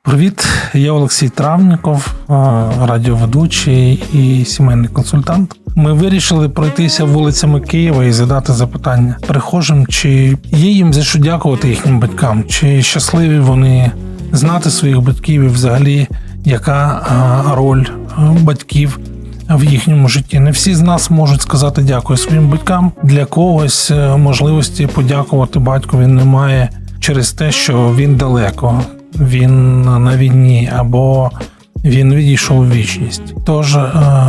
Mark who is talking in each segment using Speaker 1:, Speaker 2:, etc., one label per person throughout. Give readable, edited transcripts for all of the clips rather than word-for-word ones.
Speaker 1: Привіт, я Олексій Травніков, радіоведучий і сімейний консультант. Ми вирішили пройтися вулицями Києва і задати запитання перехожим, чи є їм за що дякувати їхнім батькам, чи щасливі вони знати своїх батьків і взагалі яка роль батьків в їхньому житті. Не всі з нас можуть сказати дякую своїм батькам. Для когось можливості подякувати батькові немає через те, що він далеко, він на війні або він відійшов у вічність. Тож,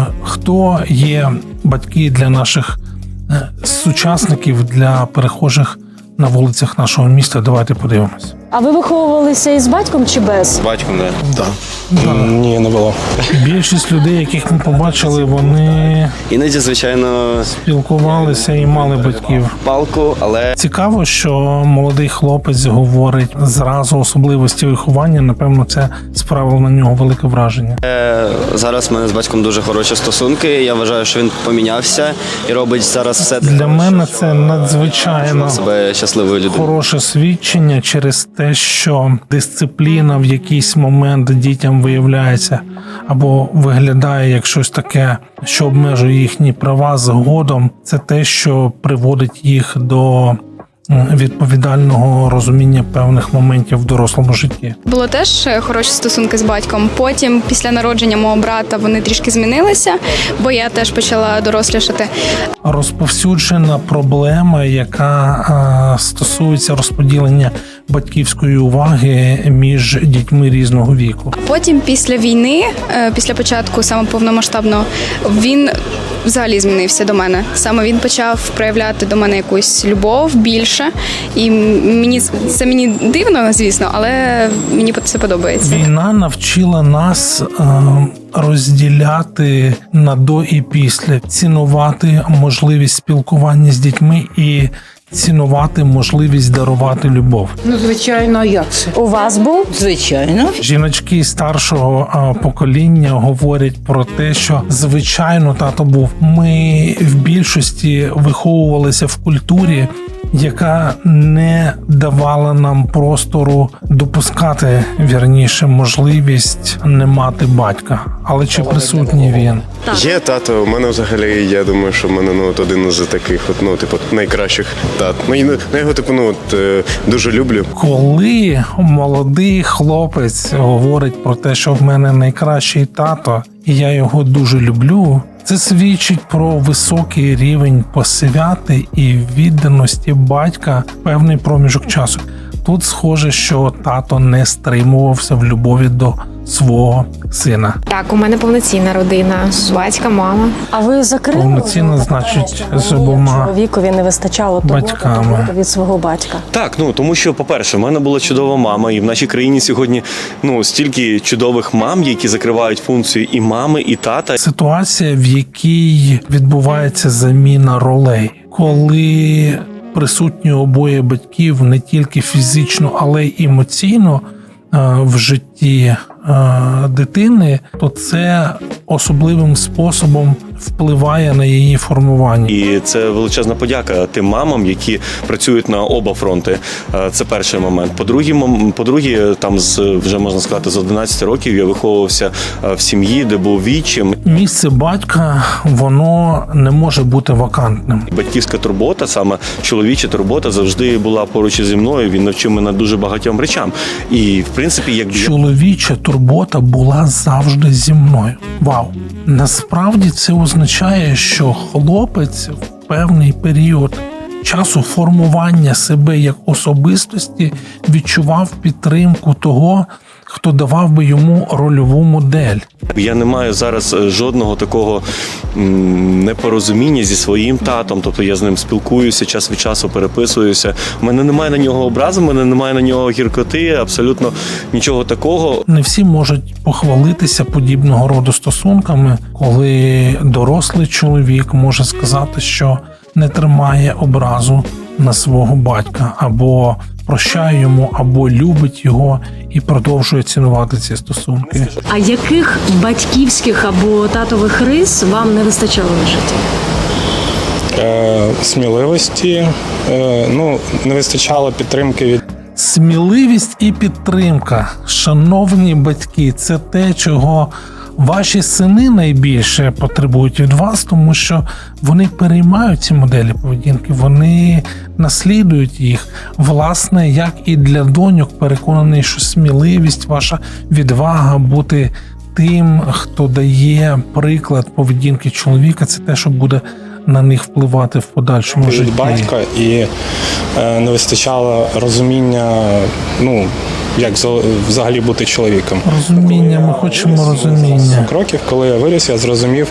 Speaker 1: хто є батьки для наших сучасників, для перехожих на вулицях нашого міста? Давайте подивимось.
Speaker 2: А ви виховувалися із батьком чи без?
Speaker 3: З батьком, не?
Speaker 1: Да.
Speaker 3: Ні, не було.
Speaker 1: Більшість людей, яких ми побачили, вони
Speaker 3: Іноді, звичайно,
Speaker 1: спілкувалися і мали батьків.
Speaker 3: палку, але
Speaker 1: Цікаво, що молодий хлопець говорить зразу особливості виховання. Напевно, це справило на нього велике враження.
Speaker 3: зараз в мене з батьком дуже хороші стосунки. Я вважаю, що він помінявся і робить зараз все
Speaker 1: Для мене це надзвичайно
Speaker 3: себе щасливою людиною.
Speaker 1: хороше свідчення через те, що дисципліна в якийсь момент дітям виявляється або виглядає як щось таке, що обмежує їхні права згодом. Це те, що приводить їх до відповідального розуміння певних моментів в дорослому житті.
Speaker 4: Було теж хороші стосунки з батьком. Потім, після народження мого брата, вони трішки змінилися, бо я теж почала дорослішати.
Speaker 1: Розповсюджена проблема, яка стосується розподілення батьківської уваги між дітьми різного віку.
Speaker 4: Потім, після війни, після початку саме повномасштабного, він взагалі змінився до мене. Саме він почав проявляти до мене якусь любов більше. І мені дивно, звісно, але мені це подобається.
Speaker 1: Війна навчила нас розділяти на до і після, цінувати можливість спілкування з дітьми і цінувати можливість дарувати любов.
Speaker 5: Ну, звичайно, а як це?
Speaker 2: У вас був?
Speaker 5: Звичайно.
Speaker 1: Жіночки старшого покоління говорять про те, що звичайно тато був. Ми в більшості виховувалися в культурі, яка не давала нам простору допускати, вірніше, можливість не мати батька. Але чи присутній він?
Speaker 6: Є тато. У мене взагалі, я думаю, що в мене один із таких найкращих тат. Я його дуже люблю.
Speaker 1: Коли молодий хлопець говорить про те, що в мене найкращий тато, і я його дуже люблю, це свідчить про високий рівень посвяти і відданості батька в певний проміжок часу. Тут схоже, що тато не стримувався в любові до свого сина.
Speaker 7: Так, у мене повноцінна родина, батька, мама.
Speaker 2: А ви закрили?
Speaker 1: Повноцінно, значить, з обома
Speaker 2: чоловікові не вистачало
Speaker 1: батьками.
Speaker 2: від свого батька.
Speaker 8: Так, тому що, по-перше, в мене була чудова мама, і в нашій країні сьогодні стільки чудових мам, які закривають функцію і мами, і тата.
Speaker 1: Ситуація, в якій відбувається заміна ролей, коли присутні обоє батьків не тільки фізично, але й емоційно в житті дитини, то це особливим способом впливає на її формування.
Speaker 8: І це величезна подяка тим мамам, які працюють на оба фронти. Це перший момент. По-друге, там вже можна сказати, з 11 років я виховувався в сім'ї, де був відчим.
Speaker 1: Місце батька, воно не може бути вакантним.
Speaker 8: Батьківська турбота, саме чоловіча турбота, завжди була поруч зі мною. Він навчив мене дуже багатьом речам. І, в принципі, якби
Speaker 1: Чоловіча турбота була завжди зі мною. Вау! Насправді це означає, що хлопець в певний період часу формування себе як особистості відчував підтримку того, хто давав би йому рольову модель.
Speaker 8: Я не маю зараз жодного такого непорозуміння зі своїм татом, тобто я з ним спілкуюся, час від часу переписуюся. У мене немає на нього образи, у мене немає на нього гіркоти, абсолютно нічого такого.
Speaker 1: Не всі можуть похвалитися подібного роду стосунками, коли дорослий чоловік може сказати, що не тримає образу на свого батька, або прощає йому, або любить його і продовжує цінувати ці стосунки.
Speaker 2: А яких батьківських або татових рис вам не вистачало в житті?
Speaker 9: Сміливості, не вистачало підтримки від
Speaker 1: Сміливість і підтримка, шановні батьки, це те, чого ваші сини найбільше потребують від вас, тому що вони переймають ці моделі поведінки, вони наслідують їх. Власне, як і для доньок, переконаний, що сміливість, ваша відвага бути тим, хто дає приклад поведінки чоловіка, це те, що буде на них впливати в подальшому
Speaker 9: від
Speaker 1: житті.
Speaker 9: батька і не вистачало розуміння, як взагалі бути чоловіком.
Speaker 1: Розуміння, ми хочемо розуміння.
Speaker 9: Років, коли я виріс, я зрозумів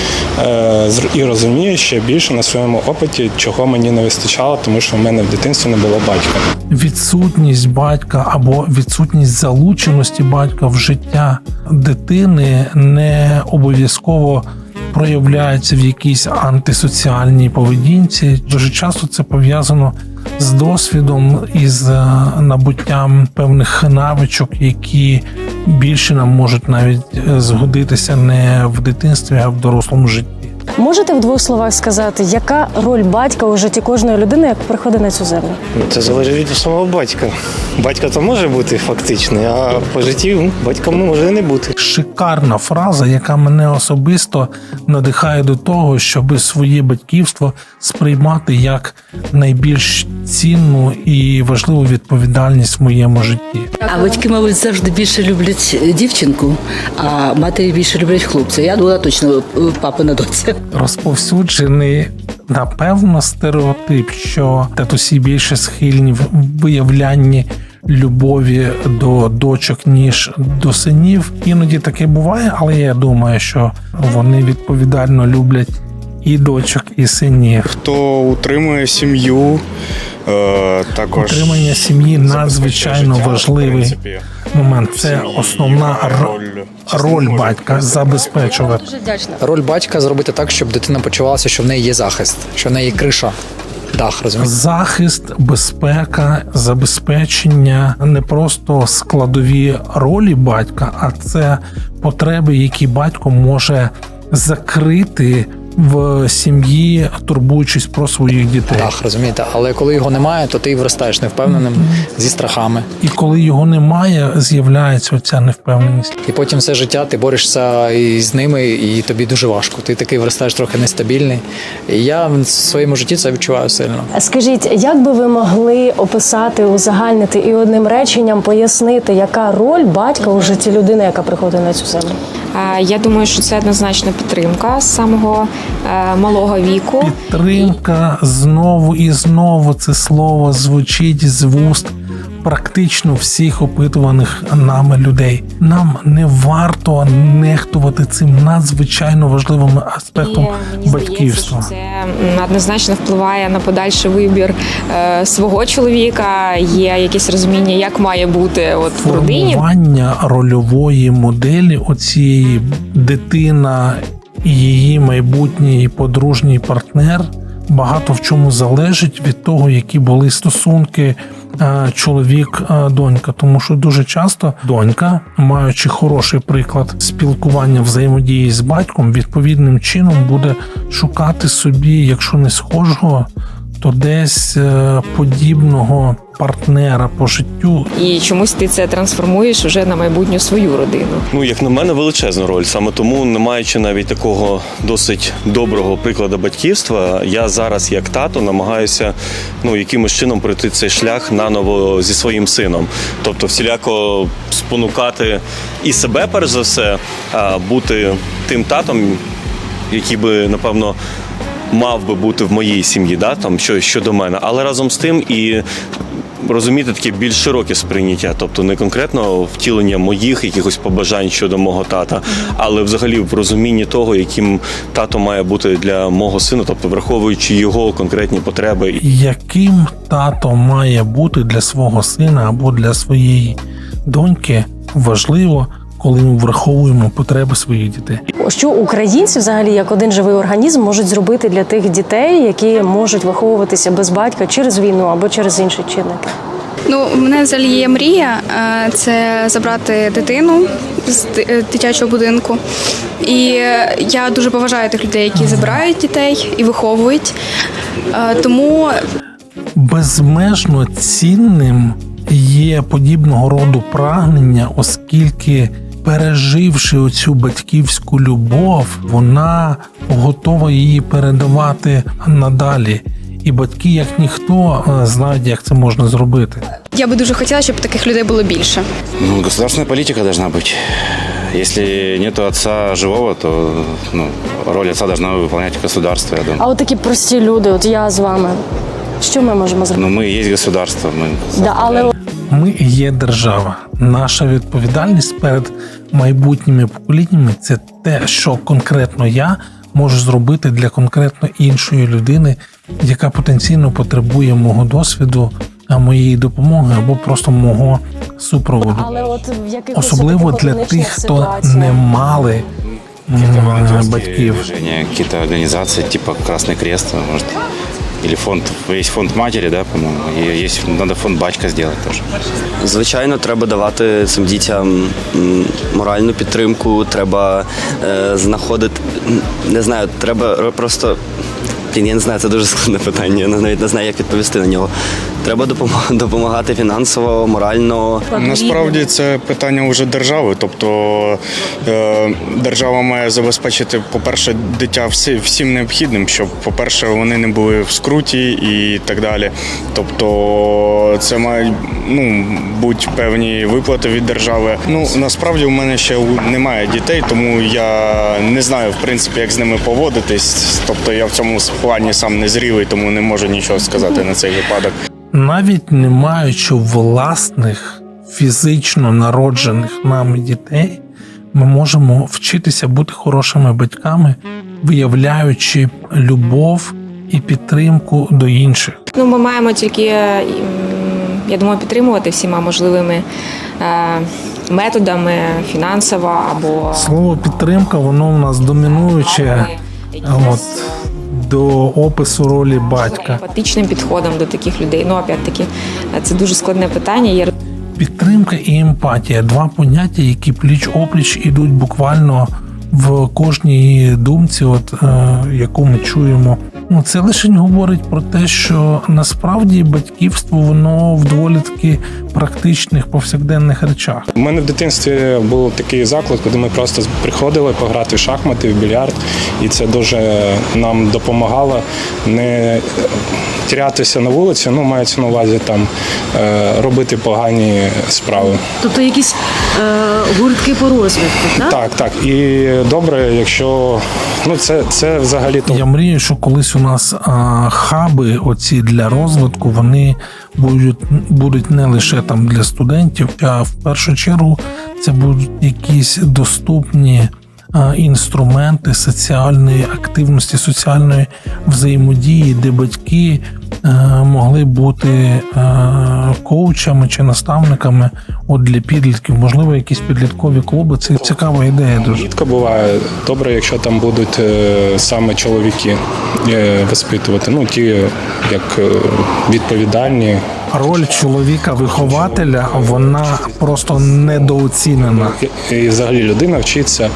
Speaker 9: і розумію ще більше на своєму опиті, чого мені не вистачало, тому що в мене в дитинстві не було батька.
Speaker 1: Відсутність батька або відсутність залученості батька в життя дитини не обов'язково проявляється в якійсь антисоціальній поведінці. Дуже часто це пов'язано з досвідом і з набуттям певних навичок, які більше нам можуть навіть згодитися не в дитинстві, а в дорослому житті.
Speaker 2: Можете в двох словах сказати, яка роль батька у житті кожної людини, як приходить на цю землю?
Speaker 10: Це залежить від самого батька. Батько то може бути фактичний, а по житті батьком може і не бути.
Speaker 1: Шикарна фраза, яка мене особисто надихає до того, щоб своє батьківство сприймати як найбільш цінну і важливу відповідальність в моєму житті.
Speaker 5: А батьки, мабуть, завжди більше люблять дівчинку, а матері більше люблять хлопця. Я була точно папина доця.
Speaker 1: Розповсюджений, напевно, стереотип, що татусі більше схильні в виявлянні любові до дочок, ніж до синів. Іноді таке буває, але я думаю, що вони відповідально люблять і дочок, і синів.
Speaker 11: Хто утримує сім'ю, також
Speaker 1: Утримання сім'ї надзвичайно важливий момент. Це основна роль батька забезпечувати.
Speaker 12: Роль батька зробити так, щоб дитина почувалася, що в неї є захист, що в неї є криша, дах, розумієте?
Speaker 1: Захист, безпека, забезпечення не просто складові ролі батька, а це потреби, які батько може закрити в сім'ї, турбуючись про своїх дітей.
Speaker 12: Так, розумієте, але коли його немає, то ти виростаєш невпевненим, зі страхами.
Speaker 1: І коли його немає, з'являється оця невпевненість.
Speaker 12: І потім все життя ти борешся із ними, і тобі дуже важко. Ти такий виростаєш трохи нестабільний. І я в своєму житті це відчуваю сильно.
Speaker 2: Скажіть, як би ви могли описати, узагальнити і одним реченням пояснити, яка роль батька у житті людини, яка приходить на цю землю?
Speaker 7: Я думаю, що це однозначно підтримка з самого малого віку.
Speaker 1: Підтримка знову і знову це слово звучить з вуст практично всіх опитуваних нами людей. Нам не варто нехтувати цим надзвичайно важливим аспектом батьківства.
Speaker 7: Це однозначно впливає на подальший вибір свого чоловіка. Є якесь розуміння, як має бути в родині.
Speaker 1: Формування рольової моделі оцієї дитина і її майбутній подружній партнер багато в чому залежить від того, які були стосунки чоловік-донька. Тому що дуже часто донька, маючи хороший приклад спілкування, взаємодії з батьком, відповідним чином буде шукати собі, якщо не схожого, то десь подібного партнера по життю.
Speaker 7: І чомусь ти це трансформуєш уже на майбутню свою родину.
Speaker 8: Як на мене, величезна роль. Саме тому, не маючи навіть такого досить доброго прикладу батьківства, я зараз, як тато, намагаюся якимось чином пройти цей шлях наново зі своїм сином. Тобто всіляко спонукати і себе, перш за все, бути тим татом, який би, напевно, мав би бути в моїй сім'ї, щодо мене, але разом з тим і розуміти таке більш широке сприйняття, тобто не конкретно втілення моїх якихось побажань щодо мого тата, але взагалі в розумінні того, яким тато має бути для мого сина, тобто враховуючи його конкретні потреби.
Speaker 1: Яким тато має бути для свого сина або для своєї доньки, важливо, коли ми враховуємо потреби своїх дітей.
Speaker 2: Що українці взагалі як один живий організм можуть зробити для тих дітей, які можуть виховуватися без батька через війну або через інші чинники?
Speaker 4: У мене взагалі є мрія – це забрати дитину з дитячого будинку. І я дуже поважаю тих людей, які забирають дітей і виховують. Тому
Speaker 1: безмежно цінним є подібного роду прагнення, оскільки, переживши оцю батьківську любов, вона готова її передавати надалі. І батьки, як ніхто, знають, як це можна зробити.
Speaker 4: Я би дуже хотіла, щоб таких людей було більше.
Speaker 13: Ну, государственная политика должна быть. Если нету отца живого, то роль отца должна выполнять государство, я думаю.
Speaker 2: А от такі прості люди, от я з вами, що ми можемо зробити?
Speaker 13: Мы и есть государство.
Speaker 2: Але
Speaker 1: Ми є держава. Наша відповідальність перед майбутніми поколіннями – це те, що конкретно я можу зробити для конкретно іншої людини, яка потенційно потребує мого досвіду, моєї допомоги або просто мого супроводу.
Speaker 2: Але от в якихось
Speaker 1: Особливо для тих, хто не мали батьків.
Speaker 13: Какие-то организации, типа Красный Крест, может, или фонд, есть фонд матери, да, по-моему, и есть, надо фонд батька сделать тоже.
Speaker 3: Звичайно, треба давати цим дітям моральну підтримку, треба знаходити, не знаю, треба просто, я не знаю, це дуже складне питання, я навіть не знаю, як відповісти на нього. Треба допомагати фінансово, морально.
Speaker 11: Насправді це питання вже держави. Тобто держава має забезпечити, по-перше, дитя всім необхідним, щоб, по-перше, вони не були в скруті і так далі. Тобто це мають бути певні виплати від держави. Насправді у мене ще немає дітей, тому я не знаю, в принципі, як з ними поводитись. Тобто я в цьому плані сам не зрілий, тому не можу нічого сказати на цей випадок.
Speaker 1: Навіть не маючи власних фізично народжених нами дітей, ми можемо вчитися бути хорошими батьками, виявляючи любов і підтримку до інших.
Speaker 7: Ми маємо тільки, я думаю, підтримувати всіма можливими методами, фінансово або...
Speaker 1: Слово «підтримка», воно у нас домінуюче до опису ролі батька.
Speaker 7: Емпатичним підходом до таких людей. Опять-таки, це дуже складне питання.
Speaker 1: Підтримка і емпатія – два поняття, які пліч-опліч ідуть буквально в кожній думці, яку ми чуємо. Це лише говорить про те, що насправді батьківство, воно в доволі таки практичних повсякденних речах.
Speaker 9: У мене в дитинстві був такий заклад, куди ми просто приходили пограти в шахмати, в більярд, і це дуже нам допомагало не тірятися на вулиці, мається на увазі там робити погані справи.
Speaker 2: Тобто якісь гуртки по розвитку, так?
Speaker 9: Так. І добре, якщо це взагалі то.
Speaker 1: Я мрію, що колись у нас хаби оці для розвитку, вони будуть не лише там для студентів, а в першу чергу це будуть якісь доступні інструменти соціальної активності, соціальної взаємодії, де батьки могли бути коучами чи наставниками для підлітків, можливо, якісь підліткові клуби. Це цікава ідея дуже.
Speaker 9: Рідко буває добре, якщо там будуть саме чоловіки воспитувати, ті як відповідальні.
Speaker 1: Роль чоловіка-вихователя, вона просто недооцінена.
Speaker 9: І взагалі людина вчиться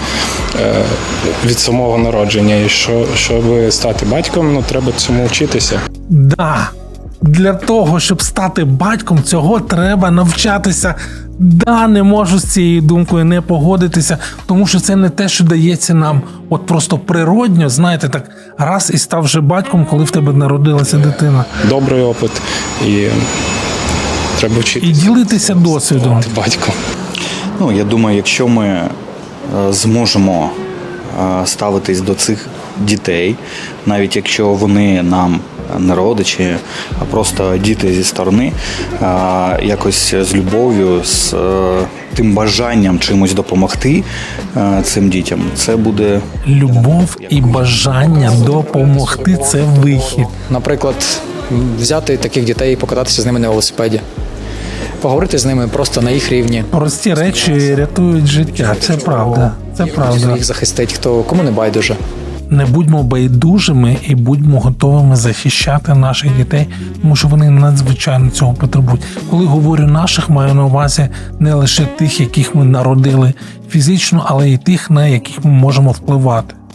Speaker 9: від самого народження. І щоб стати батьком, треба цьому вчитися.
Speaker 1: Да. Для того, щоб стати батьком, цього треба навчатися. Да, не можу з цією думкою не погодитися, тому що це не те, що дається нам просто природньо, знаєте, так раз і став вже батьком, коли в тебе народилася дитина.
Speaker 9: Добрий опит і треба вчитися.
Speaker 1: І ділитися досвідом.
Speaker 9: Батьком.
Speaker 14: Я думаю, якщо ми зможемо ставитись до цих дітей, навіть якщо вони нам не родичі, а просто діти зі сторони, якось з любов'ю, з тим бажанням чимось допомогти цим дітям, це буде...
Speaker 1: Любов і бажання допомогти – це вихід.
Speaker 12: Наприклад, взяти таких дітей і покататися з ними на велосипеді. Поговорити з ними просто на їх рівні.
Speaker 1: Прості речі рятують життя, це правда. Це правда.
Speaker 12: Їх захистить, кому не байдуже.
Speaker 1: Не будьмо байдужими і будьмо готовими захищати наших дітей, тому що вони надзвичайно цього потребують. Коли говорю наших, маю на увазі не лише тих, яких ми народили фізично, але й тих, на яких ми можемо впливати.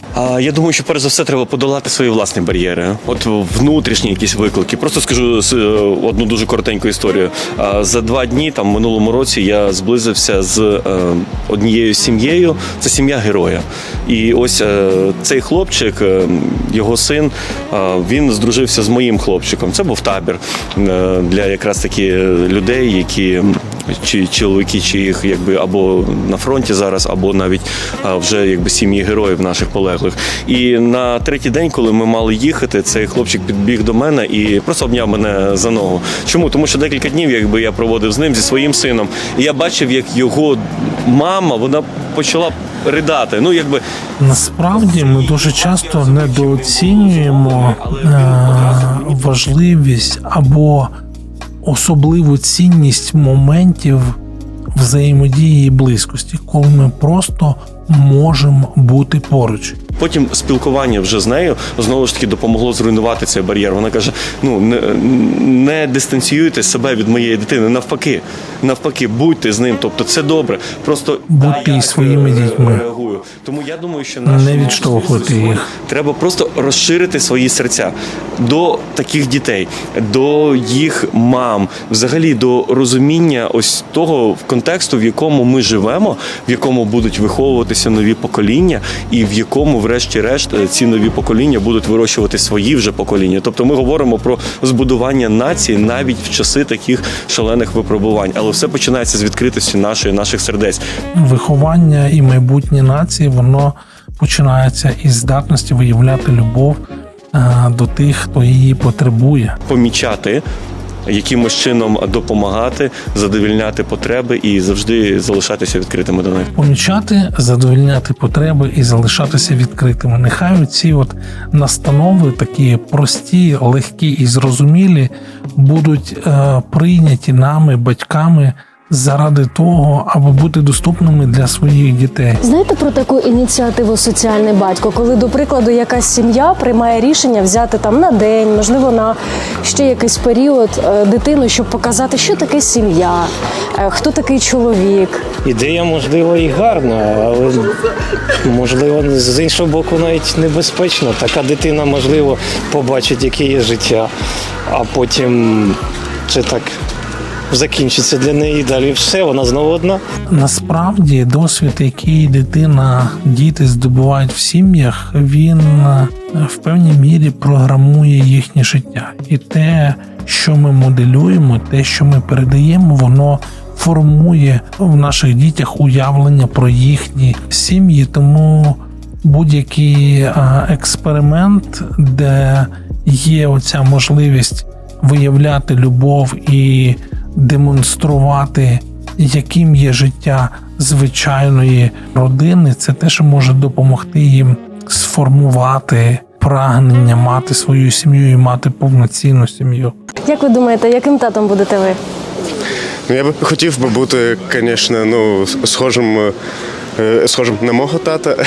Speaker 8: Я думаю, що перш за все треба подолати свої власні бар'єри. От внутрішні якісь виклики. Просто скажу одну дуже коротеньку історію. За 2 дні, там, в минулому році, я зблизився з однією сім'єю. Це сім'я героя. І ось цей хлопчик, його син, він здружився з моїм хлопчиком. Це був табір для якраз таки людей, які чи чоловіки, чи їх якби або на фронті зараз, або навіть вже якби сім'ї героїв наших полеглих. І на 3-й день, коли ми мали їхати, цей хлопчик підбіг до мене і просто обняв мене за ногу. Чому? Тому що декілька днів якби я проводив з ним, зі своїм сином, і я бачив, як його мама, вона почала ридати. Ну, якби
Speaker 1: Насправді ми дуже часто недооцінюємо важливість або особливу цінність моментів взаємодії і близькості, коли ми просто можемо бути поруч.
Speaker 8: Потім спілкування вже з нею знову ж таки допомогло зруйнувати цей бар'єр. Вона каже: не дистанціюйте себе від моєї дитини, навпаки, будьте з ним. Тобто це добре. Просто
Speaker 1: будьте із своїми дітьми.
Speaker 8: Реагую. Тому я думаю, що
Speaker 1: не відштовхуйте їх.
Speaker 8: Треба просто розширити свої серця до таких дітей, до їх мам, взагалі до розуміння ось того контексту, в якому ми живемо, в якому будуть виховуватися нові покоління, і в якому, врешті-решт, ці нові покоління будуть вирощувати свої вже покоління. Тобто ми говоримо про збудування нації навіть в часи таких шалених випробувань. Але все починається з відкритості наших сердець.
Speaker 1: Виховання і майбутнє нації, воно починається із здатності виявляти любов до тих, хто її потребує.
Speaker 8: Помічати, якимось чином допомагати, задовільняти потреби і завжди залишатися відкритими до них.
Speaker 1: Помічати, задовільняти потреби і залишатися відкритими. Нехай ці настанови, такі прості, легкі і зрозумілі, будуть прийняті нами, батьками, заради того, аби бути доступними для своїх дітей.
Speaker 2: Знаєте про таку ініціативу «Соціальний батько», коли, до прикладу, якась сім'я приймає рішення взяти там на день, можливо, на ще якийсь період дитину, щоб показати, що таке сім'я, хто такий чоловік.
Speaker 10: Ідея, можливо, і гарна, але, можливо, з іншого боку, навіть небезпечно. Така дитина, можливо, побачить, яке є життя, а потім це так закінчиться для неї, далі все, вона знову одна.
Speaker 1: Насправді, досвід, який діти здобувають в сім'ях, він в певній мірі програмує їхнє життя. І те, що ми моделюємо, те, що ми передаємо, воно формує в наших дітях уявлення про їхні сім'ї. Тому будь-який експеримент, де є оця можливість виявляти любов і демонструвати, яким є життя звичайної родини, це те, що може допомогти їм сформувати прагнення мати свою сім'ю і мати повноцінну сім'ю.
Speaker 2: Як ви думаєте, яким татом будете ви?
Speaker 6: Я би хотів би бути, звісно, схожим на мого тата.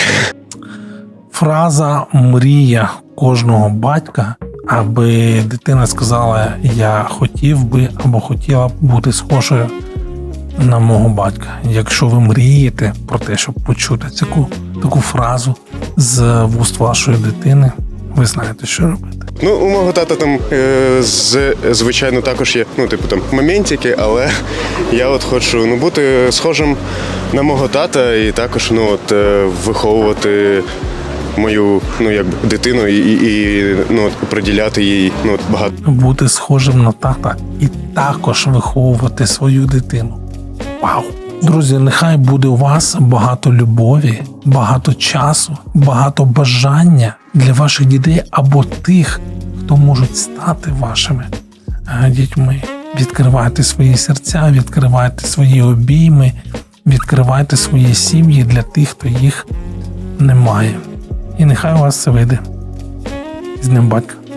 Speaker 1: Фраза «мрія кожного батька», аби дитина сказала: «Я хотів би або хотіла б бути схожою на мого батька». Якщо ви мрієте про те, щоб почути таку фразу з вуст вашої дитини, ви знаєте, що робити.
Speaker 6: У мого тата там, звичайно, також є, моментики, але я хочу бути схожим на мого тата і також, виховувати мою, дитину і приділяти їй, багато.
Speaker 1: Бути схожим на тата і також виховувати свою дитину. Вау! Друзі, нехай буде у вас багато любові, багато часу, багато бажання для ваших дітей або тих, хто можуть стати вашими дітьми. Відкривайте свої серця, відкривайте свої обійми, відкривайте свої сім'ї для тих, хто їх не має. І нехай у вас це вийде. З Днем батька!